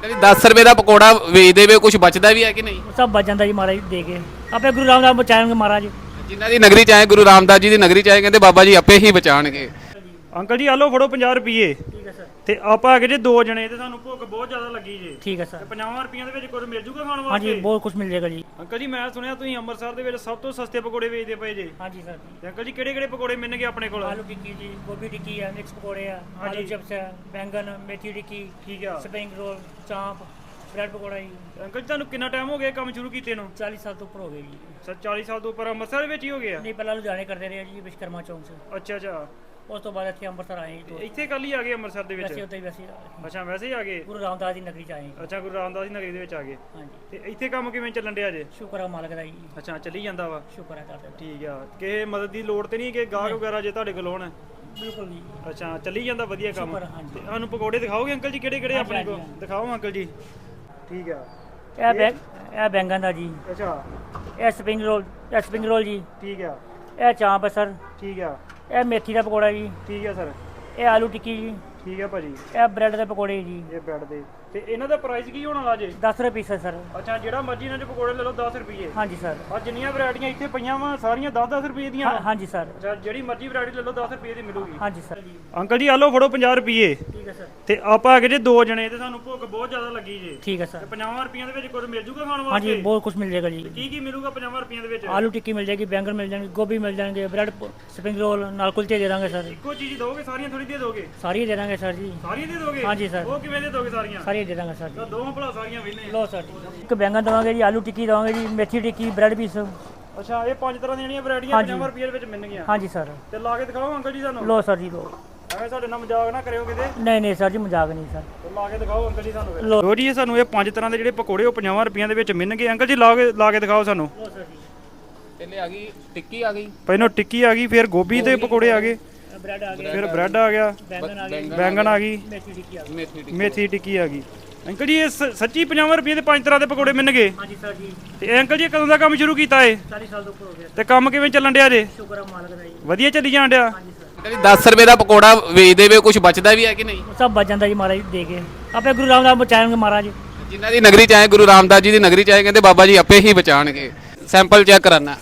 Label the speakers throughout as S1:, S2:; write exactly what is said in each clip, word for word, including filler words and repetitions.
S1: Uncle ਜੀ ਦਸ ਰੁਪਏ ਦਾ ਪਕੌੜਾ ਵੇਚਦੇ ਵੇ ਕੁਝ ਬਚਦਾ ਵੀ ਹੈ ਕਿ ਨਹੀਂ?
S2: सब बच जाता जी महाराज दे के अपने गुरु रामदास बचाएंगे महाराज।
S1: ਜਿਨ੍ਹਾਂ ਦੀ ਨਗਰੀ ਚ ਆਏ ਗੁਰੂ ਰਾਮਦਾਸ ਜੀ ਦੀ ਨਗਰੀ ਚ ਆਏ ਕਹਿੰਦੇ ਬਾਬਾ ਜੀ ਆਪੇ ਹੀ ਬਚਾਣਗੇ।
S3: ਅੰਕਲ ਜੀ ਆ ਲਓ ਫੜੋ ਪੰਜਾਹ ਰੁਪਏ
S2: ठीक है सर।
S3: ਤੇ ਆਪਾਂ ਹੈਗੇ ਜੇ ਦੋ ਜਣੇ ਤੇ ਸਾਨੂੰ ਭੁੱਖ ਬਹੁਤ ਜ਼ਿਆਦਾ ਲੱਗੀ ਜੇ
S2: ठीक है सर।
S3: ਪੰਜਾਹ ਰੁਪਈਆਂ ਦੇ ਵਿੱਚ ਕੁਝ ਮਿਲ ਜੂਗਾ ਖਾਣ
S2: हाँ
S3: ਵਾਸਤੇ?
S2: जी बहुत कुछ मिल जाएगा जी।
S3: ਅੰਕਲ ਜੀ ਮੈਂ ਸੁਣਿਆ ਤੁਸੀਂ ਅੰਮ੍ਰਿਤਸਰ ਦੇ ਵਿੱਚ ਸਭ ਤੋਂ ਸਸਤੇ ਪਕੌੜੇ ਵੇਚਦੇ ਪਏ ਜੇ।
S2: हाँ जी सर।
S3: ਤੇ ਅੰਕਲ ਜੀ ਕਿਹੜੇ ਕਿਹੜੇ ਪਕੌੜੇ ਮਿਲਣਗੇ ਆਪਣੇ ਕੋਲ?
S2: आलू टिक्की जी, गोभी टिक्की है, मिक्स पकौड़े है,
S3: हाँ
S2: आलू
S3: जी।
S2: चिप्स है, बैंगन, मेथी टिक्की,
S3: ਠੀਕ ਆ।
S2: स्प्रिंग रोल, चांप, ब्रेड पकौड़ा जी।
S3: ਅੰਕਲ ਜੀ ਤੁਹਾਨੂੰ ਕਿੰਨਾ ਟਾਈਮ ਹੋ ਗਿਆ ਕੰਮ ਸ਼ੁਰੂ ਕੀਤੇ ਨੂੰ?
S2: चालीस साल तो ऊपर हो गए जी।
S3: ਸਰ ਚਾਲੀ ਸਾਲ ਤੋਂ ਉੱਪਰ ਅੰਮ੍ਰਿਤਸਰ ਦੇ ਵਿੱਚ ਹੀ ਹੋ ਗਿਆ?
S2: नहीं पहला लुधियाने करते रहे जी विश्वकर्मा चौक से।
S3: ਅੱਛਾ ਅੱਛਾ
S2: उस तो बाद इतने अंमृतसर आए जी।
S3: ਇੱਥੇ ਕੱਲ ਹੀ ਆ ਗਏ ਅੰਮ੍ਰਿਤਸਰ ਦੇ
S2: वैसे
S3: ਵਿੱਚ?
S2: होते ही वैसे ही आ गए।
S3: ਅੱਛਾ ਵੈਸੇ ਹੀ ਆ ਗਏ।
S2: गुरु रामदास जी नगरी च आए जी।
S3: ਅੱਛਾ ਗੁਰੂ ਰਾਮਦਾਸ ਜੀ ਨਗਰੀ ਦੇ ਵਿੱਚ ਆ ਗਏ।
S2: हाँ जी
S3: ਤੇ ਇੱਥੇ ਕੰਮ ਕਿਵੇਂ ਚੱਲਣ ਡਿਆ ਜੇ?
S2: शुक्र है मालिक दा जी।
S3: ਅੱਛਾ ਚੱਲੀ ਜਾਂਦਾ ਵਾ?
S2: शुक्र है दादा दा।
S3: ਠੀਕ ਆ। ਕਿਸੇ ਮਦਦ ਦੀ ਲੋੜ ਤੇ ਨਹੀਂ ਕਿ ਗਾਹਕ ਵਗੈਰਾ ਜੇ ਤੁਹਾਡੇ ਕੋਲ ਹੋਣ?
S2: बिल्कुल जी।
S3: ਅੱਛਾ ਚੱਲੀ ਜਾਂਦਾ ਵਧੀਆ ਕੰਮ।
S2: शुक्र है, हाँ जी।
S3: ਤੇ ਸਾਨੂੰ ਪਕੌੜੇ ਦਿਖਾਓਗੇ ਅੰਕਲ ਜੀ ਕਿਹੜੇ ਕਿਹੜੇ
S2: हाँ जी,
S3: ਆਪਣੇ
S2: हाँ
S3: ਕੋਲ?
S2: जी, हाँ
S3: ਦਿਖਾਓ ਅੰਕਲ ਜੀ। ਠੀਕ ਆ।
S2: ਇਹ ਬੈਗ ਇਹ ਬੈਂਗਨ ਦਾ ਜੀ।
S3: ਅੱਛਾ
S2: ਇਹ ਸਪਰਿੰਗ ਰੋਲ ਇਹ ਸਪਰਿੰਗ ਰੋਲ ਜੀ।
S3: ਠੀਕ ਆ।
S2: ਇਹ ਚਾਂਪ ਹੈ ਸਰ।
S3: ਠੀਕ ਆ।
S2: ਇਹ ਮੇਥੀ ਦਾ ਪਕੌੜਾ ਜੀ।
S3: ਠੀਕ ਆ ਸਰ।
S2: ਇਹ ਆਲੂ ਟਿੱਕੀ ਜੀ।
S3: ਠੀਕ ਆ ਭਾਜੀ।
S2: ਇਹ ਬ੍ਰੈਡ ਦੇ ਪਕੌੜੇ ਜੀ।
S3: ਇਹ ਬੈਡ ਦੇ ਤੇ ਇਹਨਾਂ ਦਾ ਪ੍ਰਾਈਸ ਕੀ ਹੋਣ ਵਾਲਾ ਜੇ?
S2: दस रुपये पीस है सर।
S3: ਅੱਛਾ ਜਿਹੜਾ ਮਰਜ਼ੀ ਇਹਨਾਂ ਦੇ ਪਕੌੜੇ ਲੈ ਲਓ ਦਸ ਰੁਪਏ।
S2: हाँ जी सर।
S3: ਆ ਜਿੰਨੀਆਂ ਵੈਰਾਈਟੀਆਂ ਇੱਥੇ ਪਈਆਂ ਵਾ ਸਾਰੀਆਂ ਦਸ ਦਸ ਰੁਪਏ ਦੀਆਂ
S2: हाँ,
S3: ਵਾ?
S2: हाँ जी सर।
S3: ਅੱਛਾ ਜਿਹੜੀ ਮਰਜ਼ੀ ਵੈਰਾਈਟੀ ਲੈ ਲਓ ਦਸ ਰੁਪਏ ਦੀ ਮਿਲੂਗੀ।
S2: हाँ जी सर।
S3: ਅੰਕਲ ਜੀ ਆ ਲਓ ਫੜੋ ਪੰਜਾਹ ਰੁਪਏ
S2: ठीक है सर।
S3: ਤੇ ਆਪਾਂ ਹੈਗੇ ਜੇ ਦੋ ਜਣੇ ਤੇ ਸਾਨੂੰ ਭੁੱਖ ਬਹੁਤ ਜ਼ਿਆਦਾ ਲੱਗੀ ਜੇ।
S2: ठीक है सर।
S3: ਪੰਜਾਹ ਰੁਪਈਆਂ ਦੇ ਵਿੱਚ ਕੁਝ ਮਿਲ ਜੂਗਾ ਖਾਣ
S2: हाँ जी
S3: ਵਾਸਤੇ?
S2: बहुत कुछ मिल जाएगा जी।
S3: ਕੀ ਕੀ ਮਿਲੂਗਾ ਪੰਜਾਹ ਰੁਪਈਆਂ ਦੇ ਵਿੱਚ?
S2: आलू टिक्की मिल जाएगी, बैंगन मिल जाएंगे, गोभी मिल जाएंगे, ब्रेड स्प्रिंग रोल नाल कुलचे दे देंगे सर।
S3: ਇੱਕੋ ਚੀਜ਼ ਦੋਗੇ ਸਾਰੀਆਂ ਥੋੜੀ ਦੇ ਦੋਗੇ?
S2: सारी दे देंगे सर जी।
S3: ਸਾਰੀਆਂ ਦੇ ਦੋਗੇ?
S2: हाँ जी सर।
S3: ਉਹ ਕਿਵੇਂ ਦੇ ਦੋਗੇ ਸਾਰੀਆਂ?
S2: सारी दे देंगे सर
S3: ਤਾਂ
S2: जी।
S3: ਦੋਵਾਂ ਭਲਾ ਸਾਰੀਆਂ ਵੇਨੇ।
S2: लो सर जी। एक बैंगन देवांगे जी, आलू टिक्की देवांगे जी, मेथी टिक्की, ब्रेड पीस।
S3: ਅੱਛਾ ਇਹ ਪੰਜ ਤਰ੍ਹਾਂ ਦੀਆਂ ਜਿਹੜੀਆਂ ਵੈਰਾਈਟੀਆਂ
S2: ਹਾਂਜੀ।
S3: ਪੰਜਾਹ ਰੁਪਏ ਦੇ ਵਿੱਚ ਮਿਲਣਗੀਆਂ?
S2: हाँ जी सर।
S3: ਤੇ ਲਾ ਕੇ ਦਿਖਾਓ ਅੰਕਲ ਜੀ ਸਾਨੂੰ।
S2: लो सर जी लो।
S3: ਐਵੇਂ ਸਾਡੇ ਨਾਲ ਮਜ਼ਾਕ ਨਾ ਕਰਿਓ ਕਿਤੇ।
S2: नहीं नहीं सर जी मजाक नहीं सर।
S3: ਤੇ ਲਾ ਕੇ ਦਿਖਾਓ ਅੰਕਲ ਜੀ ਸਾਨੂੰ ਫਿਰ।
S2: ਲਓ।
S3: ਲੋ ਜੀ ਇਹ ਸਾਨੂੰ ਇਹ ਪੰਜ ਤਰ੍ਹਾਂ ਦੇ ਜਿਹੜੇ ਪਕੌੜੇ ਉਹ ਪੰਜਾਹ ਰੁਪਈਆਂ ਦੇ ਵਿੱਚ ਮਿਲਣਗੇ। ਅੰਕਲ ਜੀ ਲਾ ਕੇ ਲਾ ਕੇ ਦਿਖਾਓ ਸਾਨੂੰ।
S2: लो सर जी।
S1: ਪਹਿਲੇ ਆ ਗਈ ਟਿੱਕੀ ਆ ਗਈ,
S3: ਪਹਿਲਾਂ ਟਿੱਕੀ ਆ ਗਈ, ਫਿਰ ਗੋਭੀ ਦੇ ਪਕੌੜੇ ਆ ਗਏ,
S2: ब्रेड आ गया,
S3: ਫਿਰ ਬ੍ਰੈਡ ਆ ਗਿਆ,
S2: बैंगन आ गया,
S3: ਬੈਂਗਣ ਆ ਗਈ,
S2: मेथी टिक्की आ गई।
S1: ਮੇਥੀ ਟਿੱਕੀ।
S3: ਮੇਥੀ ਟਿੱਕੀ ਆ ਗਈ। ਅੰਕਲ ਜੀ ਇਹ ਸ- ਸੱਚੀ ਪੰਜਾਹ ਰੁਪਏ ਦੇ ਪੰਜ ਤਰ੍ਹਾਂ ਦੇ ਪਕੌੜੇ ਮਿਲਣਗੇ?
S2: हाँ जी सर जी।
S3: ਤੇ ਇਹ ਅੰਕਲ ਜੀ ਕਦੋਂ ਦਾ ਕੰਮ ਸ਼ੁਰੂ ਕੀਤਾ ਏ?
S2: चालीस साल तो ऊपर हो गया।
S3: ਤੇ ਕੰਮ ਕਿਵੇਂ ਚੱਲਣ ਡਿਆ ਜੇ?
S2: शुक्र है मालिक दा जी।
S3: ਵਧੀਆ ਚੱਲੀ ਜਾਣ ਡਿਆ?
S2: हाँ जी सर।
S1: ਅੰਕਲ ਜੀ ਦਸ ਰੁਪਏ ਦਾ ਪਕੌੜਾ ਵੇਚਦੇ ਵੇ ਕੁਝ ਬਚਦਾ ਵੀ ਹੈ ਕਿ ਨਹੀਂ?
S2: सब बच जाता जी महाराज दे के अपने गुरु रामदास बचाएंगे महाराज।
S1: ਜਿਨ੍ਹਾਂ ਦੀ ਨਗਰੀ ਚ ਆਏ ਗੁਰੂ ਰਾਮਦਾਸ ਜੀ ਦੀ ਨਗਰੀ ਚ ਆਏ ਕਹਿੰਦੇ ਬਾਬਾ ਜੀ ਆਪੇ ਹੀ ਬਚਾਣਗੇ। ਸੈਂਪਲ ਚੈੱਕ ਕਰਾਨਾ।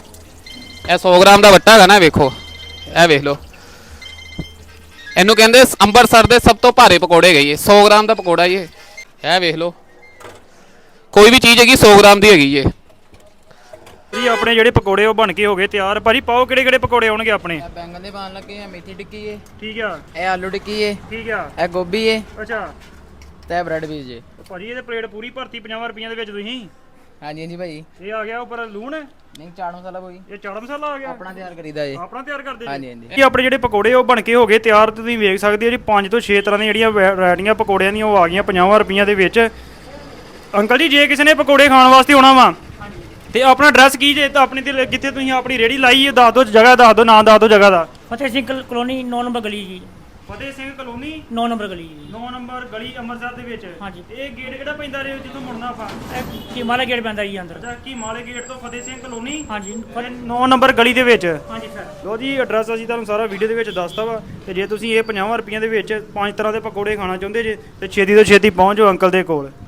S1: ਇਹ ਸੌ ਗ੍ਰਾਮ ਦਾ ਵੱਟਾ ਹੈਗਾ ਨਾ, ਵੇਖੋ ਇਹ ਵੇਖ ਲਓ। ਇਹਨੂੰ ਕਹਿੰਦੇ ਅੰਮ੍ਰਿਤਸਰ ਦੇ ਸਭ ਤੋਂ ਭਾਰੇ ਪਕੌੜੇ ਹੈਗੇ ਇਹ। ਸੌ ਗ੍ਰਾਮ ਦਾ ਪਕੌੜਾ ਇਹ ਇਹ ਵੇਖ ਲਓ। ਕੋਈ ਵੀ ਚੀਜ਼ ਹੈਗੀ ਸੌ ਗ੍ਰਾਮ ਦੀ ਹੈਗੀ ਇਹ।
S3: ਜੀ ਆਪਣੇ ਜਿਹੜੇ ਪਕੌੜੇ ਉਹ ਬਣ ਕੇ ਹੋ ਗਏ ਤਿਆਰ। ਭਾਜੀ ਪਾਓ ਕਿਹੜੇ ਕਿਹੜੇ ਪਕੌੜੇ ਆਉਣਗੇ ਆਪਣੇ?
S4: ਇਹ ਬੈਂਗਣ ਦੇ ਪਾਣ ਲੱਗੇ ਆ, ਮੇਥੀ ਟਿੱਕੀ ਏ,
S3: ਠੀਕ ਆ।
S4: ਇਹ ਆਲੂ ਟਿੱਕੀ ਏ,
S3: ਠੀਕ ਆ।
S4: ਇਹ ਗੋਭੀ ਏ
S3: ਅੱਛਾ
S4: ਤੇ ਇਹ ਬ੍ਰੈਡ ਪੀਸ ਜੇ।
S3: ਭਾਜੀ ਇਹਦੇ ਪਲੇਟ ਪੂਰੀ ਭਰਤੀ ਪੰਜਾਹ ਰੁਪਈਆਂ ਦੇ ਵਿੱਚ ਤੁਸੀਂ।
S4: ਹਾਂਜੀ ਹਾਂਜੀ ਭਾਈ।
S3: ਇਹ ਆ ਗਿਆ ਉੱਪਰ ਲੂਣ,
S4: ਨਹੀਂ ਚਾਟ ਮਸਾਲਾ ਕੋਈ
S3: ਇਹ ਚਾਟ ਮਸਾਲਾ ਆ ਗਿਆ।
S4: ਆਪਣਾ ਤਿਆਰ ਕਰੀਦਾ ਜੇ।
S3: ਆਪਣਾ ਤਿਆਰ ਕਰਦੇ
S4: ਹਾਂਜੀ
S3: ਜੀ?
S4: ਹਾਂਜੀ।
S3: ਕੀ ਆਪਣੇ ਜਿਹੜੇ ਪਕੌੜੇ ਉਹ ਬਣ ਕੇ ਹੋ ਗਏ ਤਿਆਰ ਤੇ ਤੁਸੀਂ ਵੇਖ ਸਕਦੇ ਹੋ ਜੀ ਪੰਜ ਤੋਂ ਛੇ ਤਰ੍ਹਾਂ ਦੀਆਂ ਜਿਹੜੀਆਂ ਵੈਰਾਈਟੀਆਂ ਪਕੌੜਿਆਂ ਦੀਆਂ ਉਹ ਆ ਗਈਆਂ ਪੰਜਾਹ ਰੁਪਈਆਂ ਦੇ ਵਿੱਚ। ਅੰਕਲ ਜੀ ਜੇ ਕਿਸੇ ਨੇ ਪਕੌੜੇ ਖਾਣ ਵਾਸਤੇ ਆਉਣਾ ਵਾ ਤੇ ਆਪਣਾ ਐਡਰੈਸ ਕੀ ਜੇ ਤਾਂ ਆਪਣੀ ਤੇ ਕਿੱਥੇ ਤੁਸੀਂ ਆਪਣੀ ਰੇੜੀ ਲਾਈ ਹੈ ਦੱਸ ਦਿਓ, ਜਗ੍ਹਾ ਦੱਸ ਦਿਓ, ਨਾਂ ਦੱਸ ਦਿਓ ਜਗ੍ਹਾ ਦਾ।
S2: फतेह सिंह कल- कॉलोनी नौ नंबर गली जी।
S3: ਫਤਿਹ ਸਿੰਘ ਕਲੋਨੀ
S2: नौ नंबर गली जी।
S3: ਨੌ ਨੰਬਰ ਗਲੀ ਅੰਮ੍ਰਿਤਸਰ ਦੇ ਵਿੱਚ।
S2: ਹਾਂਜੀ।
S3: ਇਹ ਗੇਟ ਕਿਹੜਾ ਪੈਂਦਾ ਰੇ ਜਿੱਥੋਂ ਮੁੜਨਾ ਆਪਾਂ?
S2: हिमालय गेट पैंदा जी अंदर।
S3: ਅੱਛਾ ਕੀ ਮਾਲੇ ਗੇਟ ਤੋਂ ਫਤਿਹ ਸਿੰਘ ਕਲੋਨੀ
S2: हाँ जी फतेह।
S3: ਨੌ ਨੰਬਰ ਗਲੀ ਦੇ ਵਿੱਚ।
S2: हाँ जी सर।
S3: ਲੋ ਜੀ ਐਡਰੈਸ ਅਸੀਂ ਤੁਹਾਨੂੰ ਸਾਰਾ ਵੀਡੀਓ ਦੇ ਵਿੱਚ ਦੱਸਤਾ ਵਾ। ਤੇ ਜੇ ਤੁਸੀਂ ਇਹ ਪੰਜਾਹ ਰੁਪਈਆਂ ਦੇ ਵਿੱਚ ਪੰਜ ਤਰ੍ਹਾਂ ਦੇ ਪਕੌੜੇ ਖਾਣਾ ਚਾਹੁੰਦੇ ਜੇ ਤੇ ਛੇਤੀ ਤੋਂ ਛੇਤੀ ਪਹੁੰਚ ਜਾਓ ਅੰਕਲ ਦੇ ਕੋਲ।